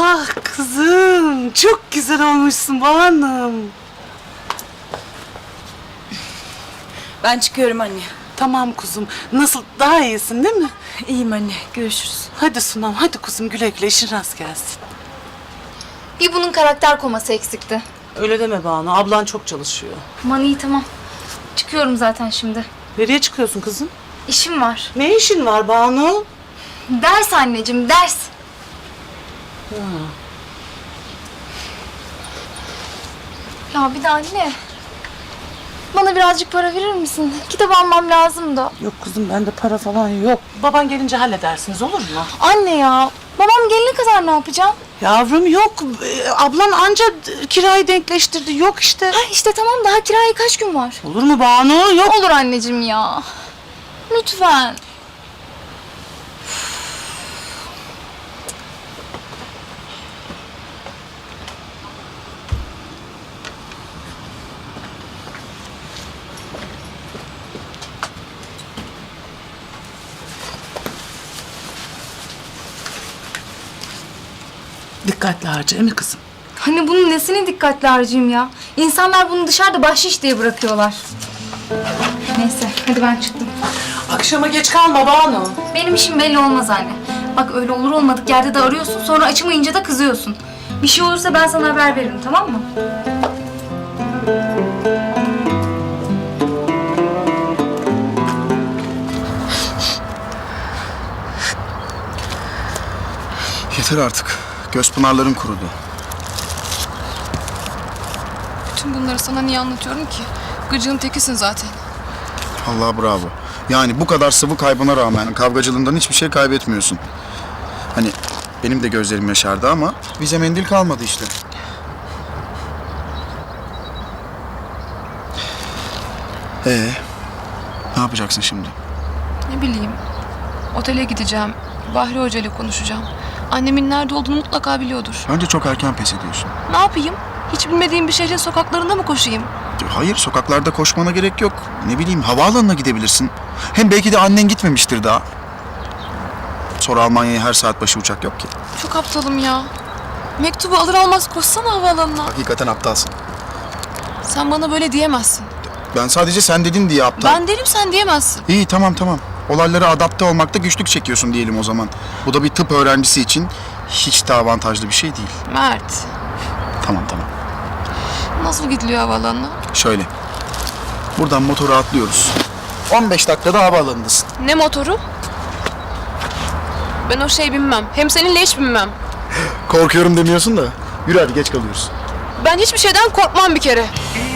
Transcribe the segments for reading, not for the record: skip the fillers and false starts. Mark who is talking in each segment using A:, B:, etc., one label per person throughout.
A: Ah kızım, çok güzel olmuşsun Banu'm.
B: Ben çıkıyorum anne.
A: Tamam kuzum, nasıl, daha iyisin değil mi?
B: İyiyim anne, görüşürüz.
A: Hadi Sunam, hadi kuzum, güle güle, işin rast gelsin.
C: Bir bunun karakter koması eksikti.
A: Öyle deme Banu, ablan çok çalışıyor.
C: Aman iyi tamam. Çıkıyorum zaten şimdi.
A: Nereye çıkıyorsun kızım?
C: İşim var.
A: Ne işin var Banu?
C: Ders anneciğim, ders. Ya bir de anne. Bana birazcık para verir misin? Kitap almam lazım da.
A: Yok kızım, bende para falan yok. Baban gelince halledersiniz, olur mu?
C: Anne ya. Babam gelene kadar ne yapacağım?
A: Yavrum yok, ablan anca kirayı denkleştirdi, yok işte.
C: Ha işte tamam, daha kiraya kaç gün var?
A: Olur mu Banu? Yok.
C: Olur anneciğim ya. Lütfen.
A: Dikkatli harca, değil mi kızım?
C: Hani bunun nesine dikkatli harcayayım ya? İnsanlar bunu dışarıda bahşiş diye bırakıyorlar. Neyse hadi ben çıktım.
A: Akşama geç kalma Banu.
C: Benim işim belli olmaz anne. Bak öyle olur olmadık yerde de arıyorsun, sonra açmayınca da kızıyorsun. Bir şey olursa ben sana haber veririm, tamam mı?
D: Yeter artık. Göz pınarlarım kurudu.
E: Tüm bunları sana niye anlatıyorum ki? Gıcığın tekisin zaten.
D: Allah bravo. Yani bu kadar sıvı kaybına rağmen kavgacılığından hiçbir şey kaybetmiyorsun. Hani benim de gözlerim yaşardı ama bize mendil kalmadı işte. Ne yapacaksın şimdi?
E: Ne bileyim. Otele gideceğim. Bahri Hoca ile konuşacağım. Annemin nerede olduğunu mutlaka biliyordur.
D: Bence çok erken pes ediyorsun.
E: Ne yapayım? Hiç bilmediğim bir şehrin sokaklarında mı koşayım?
D: Hayır, sokaklarda koşmana gerek yok. Ne bileyim, havaalanına gidebilirsin. Hem belki de annen gitmemiştir daha. Sonra Almanya'ya her saat başı uçak yok ki.
E: Çok aptalım ya. Mektubu alır almaz koşsana havaalanına.
D: Hakikaten aptalsın.
E: Sen bana böyle diyemezsin.
D: Ben sadece sen dedin diye aptal.
E: Ben derim, sen diyemezsin.
D: İyi, tamam. Olaylara adapte olmakta güçlük çekiyorsun diyelim o zaman. Bu da bir tıp öğrencisi için hiç de avantajlı bir şey değil.
E: Mert.
D: Tamam.
E: Nasıl gidiliyor havaalanına?
D: Şöyle. Buradan motora atlıyoruz. 15 dakikada havaalanındasın.
E: Ne motoru? Ben o şey binmem. Hem seninle hiç binmem.
D: Korkuyorum demiyorsun da. Yürü hadi, geç kalıyoruz.
E: Ben hiçbir şeyden korkmam bir kere.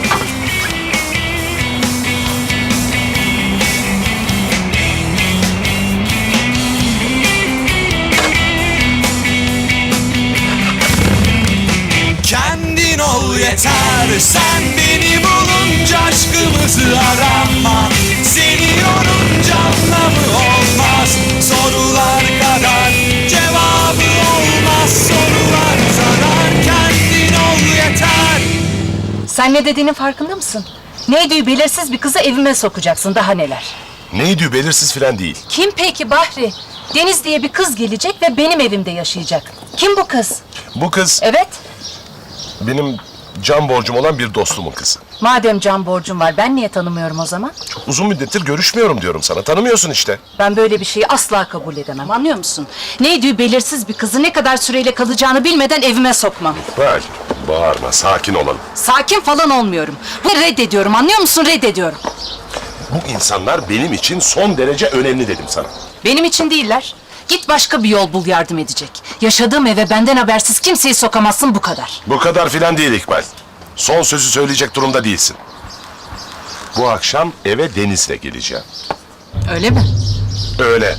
F: Kendin ol yeter, sen beni bulunca aşkımızı arama. Seni yorunca anlamı olmaz, sorular kadar cevabı olmaz. Sorular zarar, kendin ol yeter.
G: Sen ne dediğinin farkında mısın? Neydi belirsiz bir kızı evime sokacaksın, daha neler?
H: Neydi belirsiz filan değil.
G: Kim peki Bahri? Deniz diye bir kız gelecek ve benim evimde yaşayacak. Kim bu kız?
H: Bu kız
G: Evet,
H: benim can borcum olan bir dostumun kızı.
G: madem can borcum var, ben niye tanımıyorum o zaman?
H: Çok uzun müddettir görüşmüyorum diyorum sana. Tanımıyorsun işte.
G: Ben böyle bir şeyi asla kabul edemem, anlıyor musun? Neydi belirsiz bir kızı ne kadar süreyle kalacağını bilmeden evime sokmam.
H: Bak, bağırma, sakin olalım.
G: Sakin falan olmuyorum. Ve reddediyorum, anlıyor musun? Reddediyorum.
H: Bu insanlar benim için son derece önemli dedim sana.
G: Benim için değiller. Git başka bir yol bul, yardım edecek. Yaşadığım eve benden habersiz kimseyi sokamazsın, bu kadar.
H: Bu kadar filan değil İkbal. Son sözü söyleyecek durumda değilsin. Bu akşam eve Deniz'le geleceğim.
G: Öyle mi?
H: Öyle.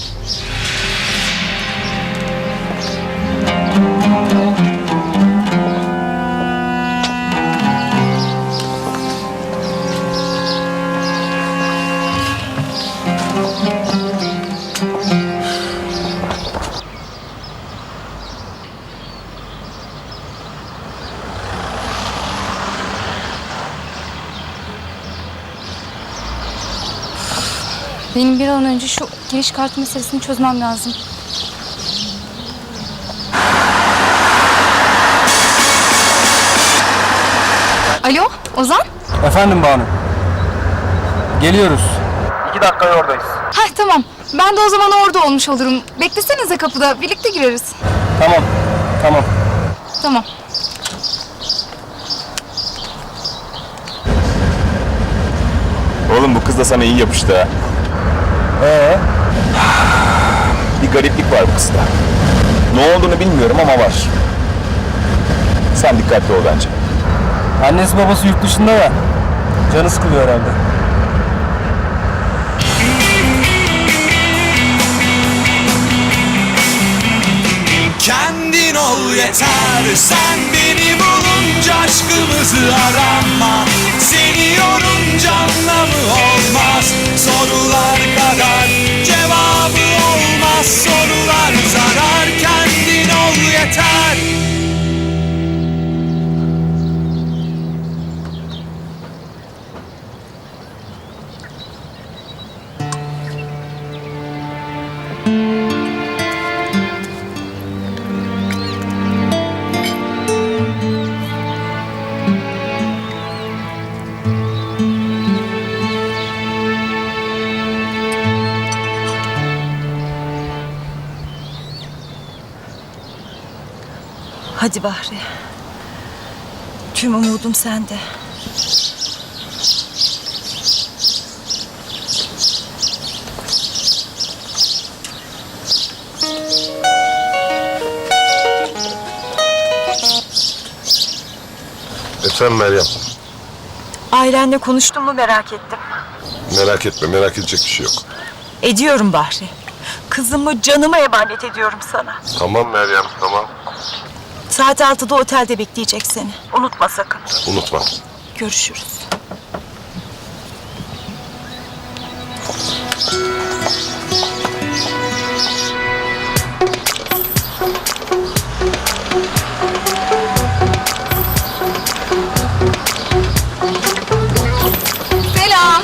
C: Benim bir an önce şu giriş kartı meselesini çözmem lazım. Alo Ozan?
I: Efendim Banu. Geliyoruz. 2 dakikaya oradayız.
C: Heh tamam. Ben de o zaman orada olmuş olurum. Beklesenize kapıda. Birlikte gireriz.
I: Tamam. Tamam.
C: Tamam.
J: Oğlum bu kız da sana iyi yapıştı ha. Bir gariplik var bu kızda. Ne olduğunu bilmiyorum ama var. Sen dikkatli ol bence.
I: Annesi babası yurt dışında ya. Canı sıkılıyor herhalde.
F: Kendin ol yeter, sen beni bulunca aşkımızı arama. Seni yorunca anlamı olmaz, sorular kadar cevabı olmaz. Sorular zarar, kendin ol yeter.
B: Hadi Bahri. Tüm umudum sende.
H: Efendim Meryem.
B: Ailenle konuştun mu merak ettim.
H: Merak etme, merak edecek bir şey yok.
B: Ediyorum Bahri. Kızımı canıma emanet ediyorum sana.
H: Tamam Meryem, tamam.
B: Saat 6'da otelde bekleyecek seni. Unutma sakın.
H: Unutma.
B: Görüşürüz.
C: Selam.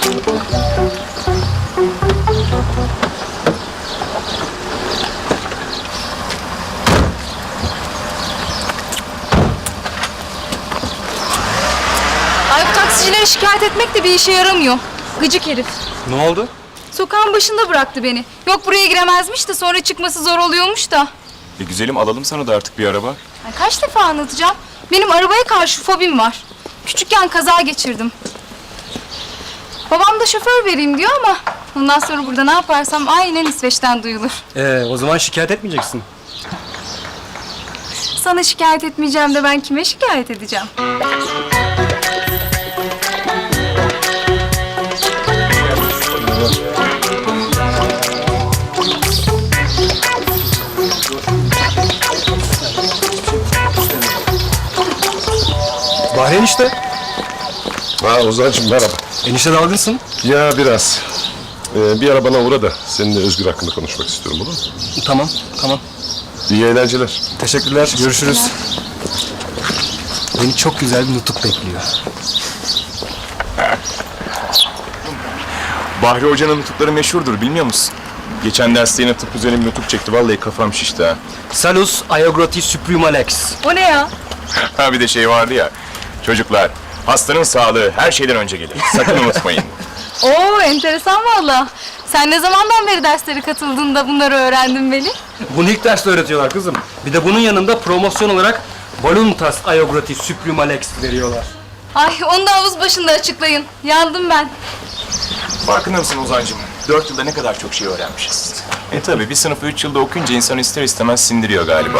C: Ay bu taksicilere şikayet etmek de bir işe yaramıyor. Gıcık herif.
I: Ne oldu?
C: Sokağın başında bıraktı beni. Yok buraya giremezmiş de sonra çıkması zor oluyormuş da.
J: Güzelim alalım sana da artık bir araba.
C: Ay kaç defa anlatacağım? Benim arabaya karşı fobim var. Küçükken kaza geçirdim. Babam da şoför vereyim diyor ama ondan sonra burada ne yaparsam aynen İsveç'ten duyulur.
I: O zaman şikayet etmeyeceksin.
C: Sana şikayet etmeyeceğim de ben kime şikayet edeceğim?
I: Bahri enişte.
H: Ha Ozan'cığım merhaba.
I: Enişte dalgınsın.
H: Ya biraz. Bir ara bana uğra da seninle Özgür hakkında konuşmak istiyorum, olur mu?
I: Tamam, tamam.
H: İyi eğlenceler.
I: Teşekkürler, görüşürüz. Beni çok güzel bir nutuk bekliyor.
J: Bahri Hoca'nın nutukları meşhurdur bilmiyor musun? Geçen derste yine tıp üzerine bir nutuk çekti. Vallahi kafam şişti ha.
I: Salus aiogroti supremalex.
C: O ne ya?
J: Ha bir de şey vardı ya. Çocuklar, hastanın sağlığı her şeyden önce gelir. Sakın unutmayın.
C: Oo enteresan valla. Sen ne zamandan beri derslere katıldığında bunları öğrendin Veli?
I: Bunu ilk derste öğretiyorlar kızım. Bir de bunun yanında promosyon olarak voluntas aiogroti supremalex veriyorlar.
C: Ay onu da havuz başında açıklayın. Yandım ben.
J: Farkında mısın Ozan'cığım? 4 yılda ne kadar çok şey öğrenmişiz. Tabii bir sınıfı 3 yılda okuyunca insan ister istemez sindiriyor galiba.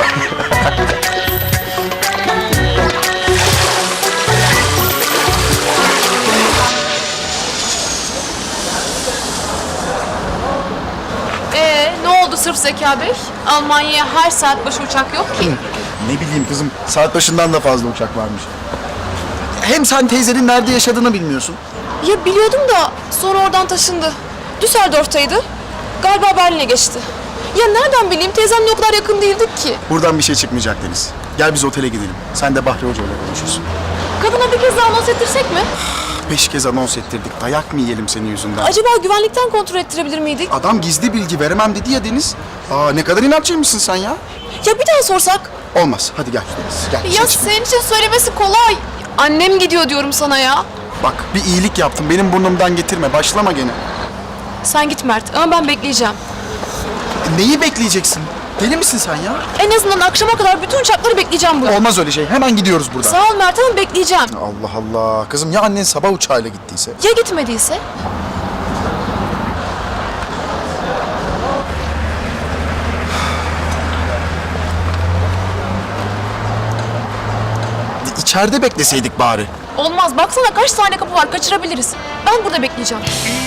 E: Ne oldu sırf Zeka Bey? Almanya'ya her saat başı uçak yok ki.
D: Ne bileyim kızım, saat başından da fazla uçak varmış. Hem sen teyzenin nerede yaşadığını bilmiyorsun.
E: Ya biliyordum da sonra oradan taşındı. Düsseldorf'taydı. Galiba Berlin'e geçti. Ya nereden bileyim, teyzemle o kadar yakın değildik ki.
D: Buradan bir şey çıkmayacak Deniz. Gel biz otele gidelim. Sen de Bahri Hoca ile konuşursun.
E: Kadına bir kez daha anons ettirsek mi?
D: 5 kez anons ettirdik. Dayak mı yiyelim senin yüzünden?
E: Acaba güvenlikten kontrol ettirebilir miydik?
D: Adam gizli bilgi veremem dedi ya Deniz. Ne kadar inatçıymışsın sen ya.
E: Ya bir daha sorsak?
D: Olmaz. Hadi gel Deniz. Gel.
E: Ya senin için söylemesi kolay. Annem gidiyor diyorum sana ya.
D: Bak bir iyilik yaptım. Benim burnumdan getirme. Başlama gene.
E: Sen git Mert ama ben bekleyeceğim.
D: Neyi bekleyeceksin? Deli misin sen ya?
E: En azından akşama kadar bütün uçakları bekleyeceğim burada.
D: Olmaz öyle şey. Hemen gidiyoruz buradan.
E: Sağ ol Mert ama bekleyeceğim.
D: Allah Allah. Kızım ya annen sabah uçağıyla gittiyse?
E: Ya gitmediyse?
D: İçeride bekleseydik bari.
E: Olmaz. Baksana kaç tane kapı var. Kaçırabiliriz. Ben burada bekleyeceğim.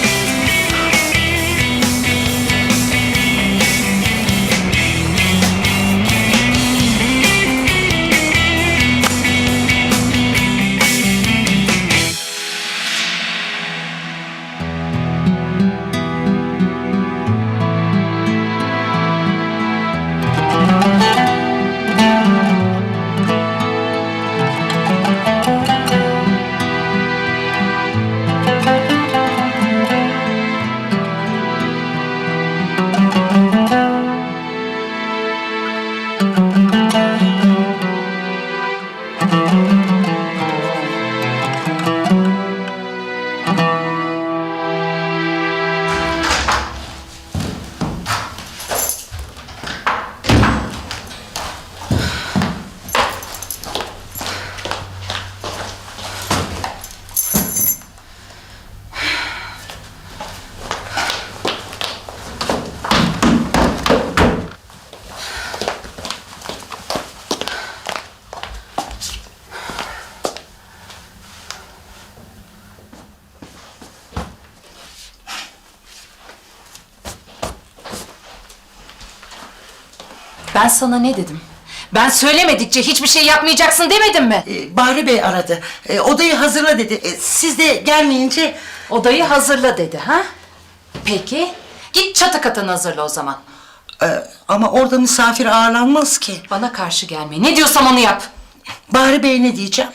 G: Ben sana ne dedim? Ben söylemedikçe hiçbir şey yapmayacaksın demedim mi?
K: Bahri Bey aradı. Odayı hazırla dedi. Siz de gelmeyince...
G: Odayı hazırla dedi ha? Peki. Git çatı katını hazırla o zaman.
K: Ama orada misafir ağırlanmaz ki.
G: Bana karşı gelme. Ne diyorsam onu yap.
K: Bahri Bey ne diyeceğim?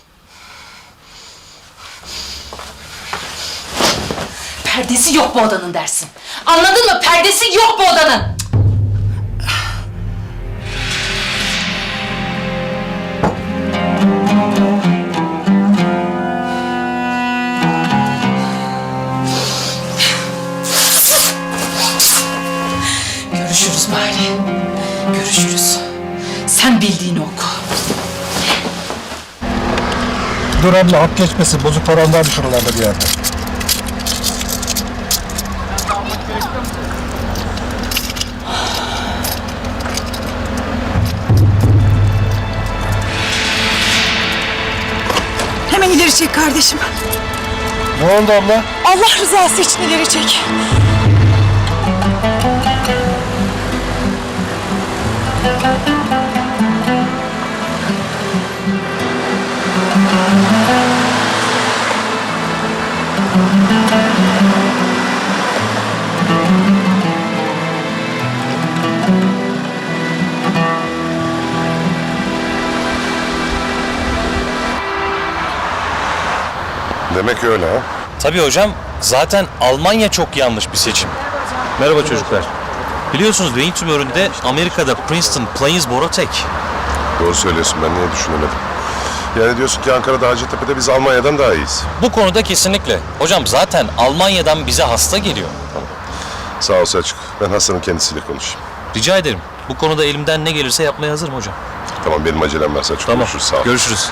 G: Perdesi yok bu odanın dersin. Anladın mı? Perdesi yok bu odanın. Görüşürüz Bahri. Görüşürüz. Sen bildiğini oku.
L: Dur abla hap geçmesin. Bozuk paran var şuralarda bir yerde.
B: Hemen ileri çek kardeşim.
L: Ne oldu abla?
B: Allah rızası için ileri çek.
H: Demek öyle ha?
I: Tabii hocam. Zaten Almanya çok yanlış bir seçim. Merhaba çocuklar. Biliyorsunuz beyin tümöründe Amerika'da Princeton Plains boru tek.
H: Doğru söylüyorsun, ben niye düşünemedim? Yani diyorsun ki Ankara'da Hacettepe'de biz Almanya'dan daha iyiyiz.
I: Bu konuda kesinlikle. Hocam zaten Almanya'dan bize hasta geliyor.
H: Sağ ol Selçuk, ben hastanın kendisiyle konuşayım.
I: Rica ederim. Bu konuda elimden ne gelirse yapmaya hazırım hocam.
H: Tamam, benim acelem var Selçuk.
I: Tamam.
H: Görüşürüz, sağ ol.
I: Görüşürüz.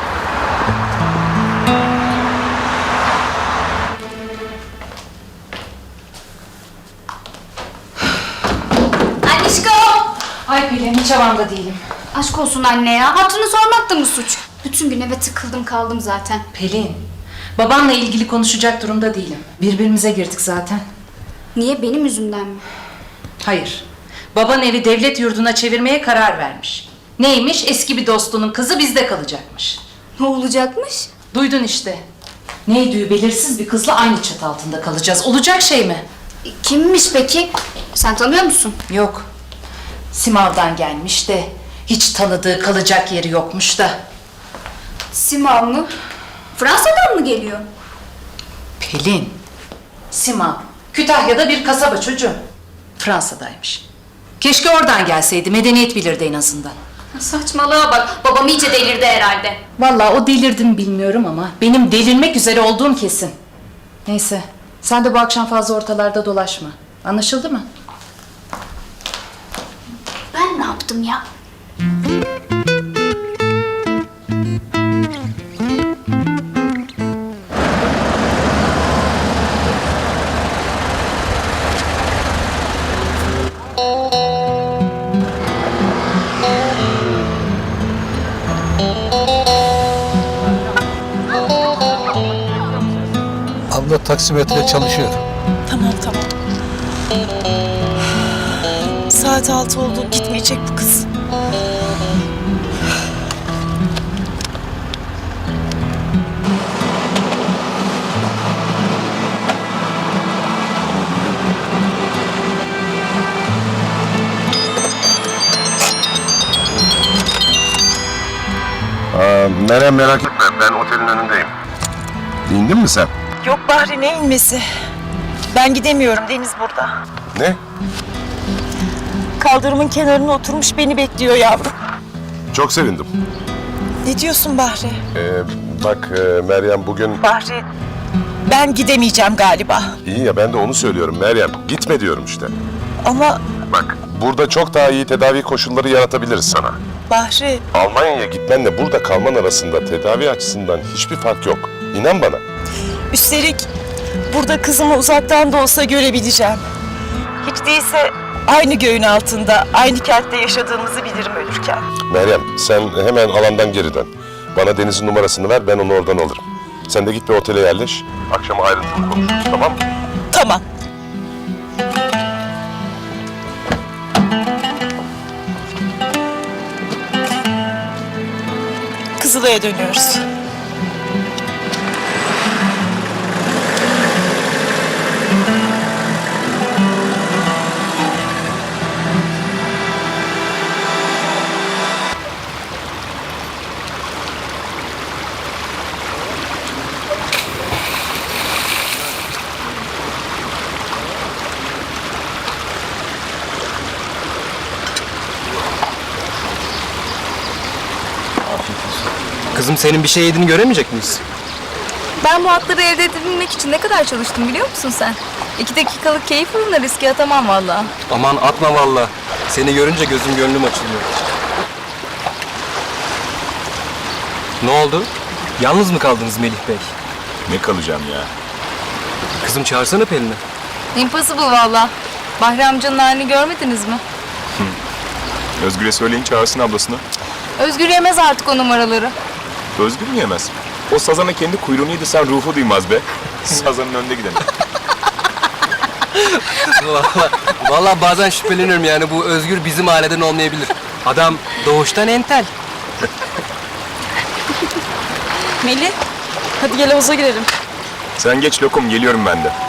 C: Anişko!
G: Ay Pelin hiç havamda değilim.
C: Aşk olsun anne ya. Hatırını sormak da mı suç? Bütün gün eve tıkıldım kaldım zaten.
G: Pelin, babanla ilgili konuşacak durumda değilim. Birbirimize girdik zaten.
C: Niye, benim yüzümden mi?
G: Hayır. Baban evi devlet yurduna çevirmeye karar vermiş. Neymiş? Eski bir dostunun kızı bizde kalacakmış.
C: Ne olacakmış?
G: Duydun işte. Neydi belirsiz bir kızla aynı çatı altında kalacağız. Olacak şey mi?
C: Kimmiş peki? Sen tanıyor musun?
G: Yok. Simav'dan gelmiş de hiç tanıdığı kalacak yeri yokmuş da.
C: Simav mı? Fransa'dan mı geliyor?
G: Pelin. Simav. Kütahya'da bir kasaba çocuğu. Fransa'daymış. Keşke oradan gelseydi. Medeniyet bilirdi en azından.
C: Saçmalığa bak. Babam iyice delirdi herhalde.
G: Vallahi o delirdi mi bilmiyorum ama benim delirmek üzere olduğum kesin. Neyse, sen de bu akşam fazla ortalarda dolaşma. Anlaşıldı mı?
C: Ben ne yaptım ya?
L: Abla taksimetre çalışıyor.
A: Tamam. Saat 6 oldu. Gitmeyecek bu kız.
H: Meryem merak etme, ben otelin önündeyim. İndin mi sen?
B: Yok Bahri, ne inmesi? Ben gidemiyorum, Deniz burada.
H: Ne?
B: Kaldırımın kenarına oturmuş beni bekliyor yavrum.
H: Çok sevindim.
B: Ne diyorsun Bahri?
H: Bak Meryem bugün...
B: Bahri, ben gidemeyeceğim galiba.
H: İyi ya, ben de onu söylüyorum Meryem. Gitme diyorum işte.
B: Ama
H: Bak, burada çok daha iyi tedavi koşulları yaratabiliriz sana.
B: Bahri,
H: Almanya'ya gitmenle burada kalman arasında tedavi açısından hiçbir fark yok. İnan bana.
B: üstelik burada kızımı uzaktan da olsa görebileceğim. Hiç değilse aynı göğün altında, aynı kentte yaşadığımızı bilirim ölürken.
H: Meryem, sen hemen alandan geri dön. Bana Deniz'in numarasını ver, ben onu oradan alırım. Sen de git bir otele yerleş. Akşama ayrıntılı konuşuruz, tamam mı?
B: Tamam. Kızılay'a dönüyoruz.
I: Kızım senin bir şey yediğini göremeyecek miyiz?
C: Ben bu hakları elde edebilmek için ne kadar çalıştım biliyor musun sen? 2 dakikalık keyif uğruna riske atamam vallahi.
I: Aman atma valla. Seni görünce gözüm gönlüm açılıyor. Ne oldu? Yalnız mı kaldınız Melih Bey?
J: Ne kalacağım ya?
I: Kızım çağırsana Pelin'i.
C: Impossible valla. Bahri amcanın halini görmediniz mi?
J: Özgür'e söyleyin çağırsın ablasını.
C: Özgür yemez artık o numaraları.
J: Özgür mü yemez? O sazana kendi kuyruğunu yedirsen ruhu duymaz be. Sazanın önünde gidelim.
I: Valla bazen şüpheleniyorum yani bu Özgür bizim aileden olmayabilir. Adam doğuştan entel.
E: Melih, hadi gel havuza girelim.
J: Sen geç lokum, geliyorum ben de.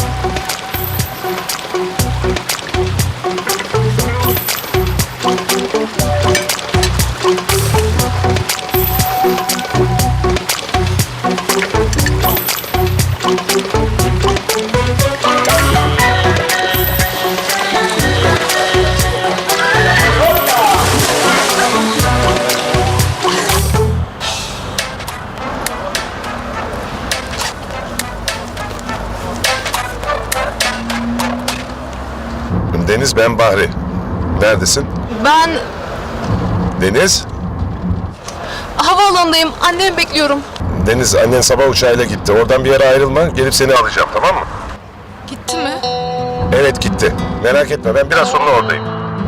H: Deniz, ben Bahri. Neredesin?
E: Ben
H: Deniz?
E: havaalanındayım. Annemi bekliyorum.
H: Deniz, annen sabah uçağıyla gitti. Oradan bir yere ayrılma, gelip seni alacağım, tamam mı?
E: Gitti mi?
H: Evet, gitti. Merak etme, ben biraz sonra oradayım.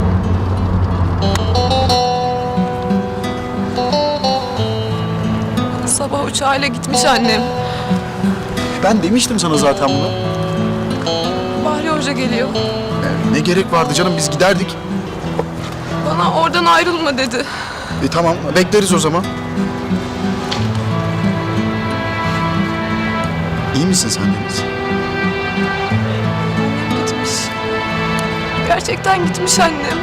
E: Sabah uçağıyla gitmiş annem.
D: Ben demiştim sana zaten bunu.
E: Bahri Hoca geliyor.
D: Ne gerek vardı canım, biz giderdik.
E: Bana oradan ayrılma dedi.
D: Tamam, bekleriz o zaman. İyi misin sen Deniz?
E: Annem gitmiş. Gerçekten gitmiş annem.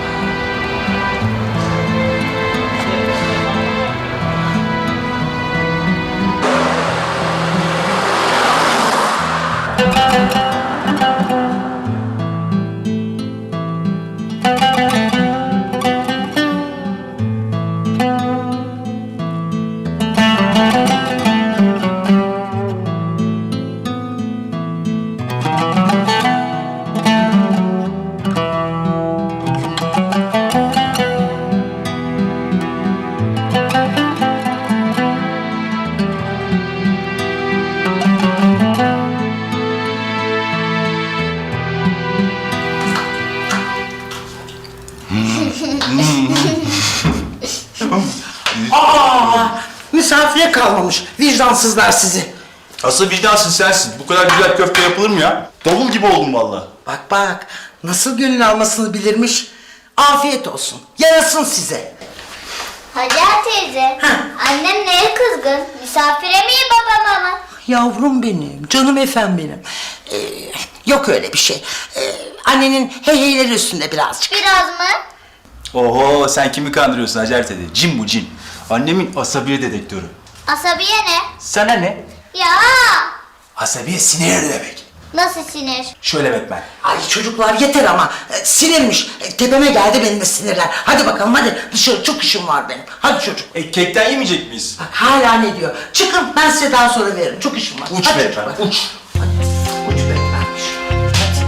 K: Aa, misafire kalmamış. Vicdansızlar sizi.
M: Asıl vicdansın sensin. Bu kadar güzel köfte yapılır mı ya? Davul gibi oldum vallahi.
K: Bak bak, nasıl almasını bilirmiş. Afiyet olsun. Yarasın size.
N: Hacer teyze, annem neye kızgın? Misafire miyim babama mı?
K: Yavrum benim, canım efem benim. Yok öyle bir şey. Annenin heyheyleri üstünde birazcık.
N: Biraz mı?
M: Oho, sen kimi kandırıyorsun Hacer teyze? Cin bu cin. Annemin asabiye dedektörü.
N: Asabiye ne?
M: Sana ne?
N: Ya!
M: Asabiye sinir demek.
N: Nasıl sinir?
M: Şöyle bak ben.
K: Ay çocuklar yeter ama. Sinirmiş. Tepeme geldi benim de sinirler. Hadi bakalım hadi. Dışarı çok işim var benim. Hadi çocuk.
M: Kekten yemeyecek miyiz?
K: Bak hala ne diyor. Çıkın ben size daha sonra veririm. Çok işim var.
M: Uç
K: Hadi
M: be
K: çocuklar.
M: efendim, uç.
K: Uç be vermiş. Hadi.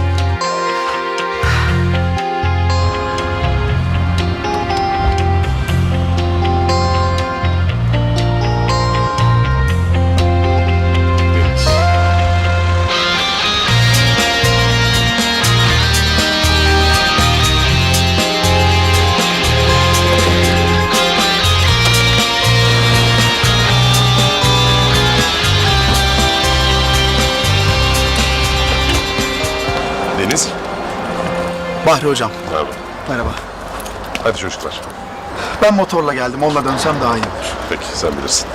H: Deniz.
D: Bahri hocam,
H: Merhaba.
D: merhaba.
H: Hadi çocuklar.
D: Ben motorla geldim. Onunla dönsem daha iyi olur.
H: Peki sen bilirsin.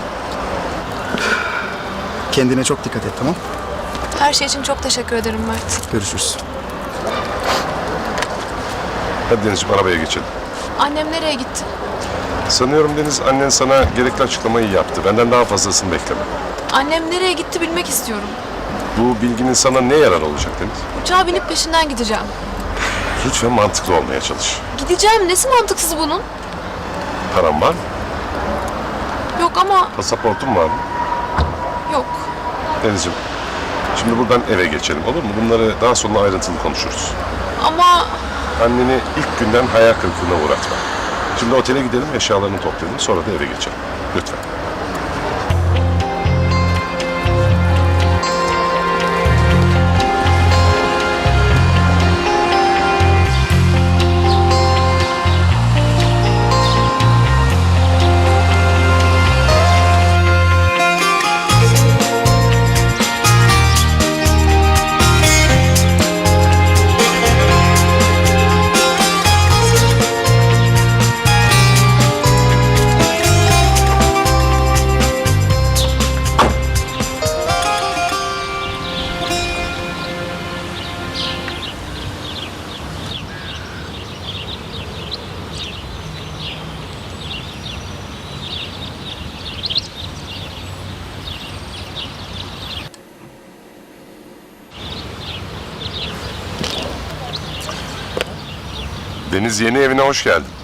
D: Kendine çok dikkat et, tamam?
E: Her şey için çok teşekkür ederim Mert.
D: Görüşürüz.
H: Hadi Denizciğim arabaya geçelim.
E: Annem nereye gitti?
H: Sanıyorum Deniz annen sana gerekli açıklamayı yaptı. Benden daha fazlasını bekleme.
E: Annem nereye gitti bilmek istiyorum.
H: Bu bilginin sana ne yarar olacak Deniz?
E: Uçağa binip peşinden gideceğim.
H: Lütfen mantıklı olmaya çalış.
E: Gideceğim. Nesi mantıksız bunun?
H: Paran var mı?
E: Yok ama
H: Pasaportun var mı?
E: yok.
H: Denizciğim, şimdi buradan eve geçelim olur mu? Bunları daha sonra ayrıntılı konuşuruz.
E: Ama
H: Anneni ilk günden hayal kırıklığına uğratma. Şimdi otele gidelim, eşyalarını toplayalım, sonra da eve geçelim. Lütfen. Deniz yeni evine hoş geldin.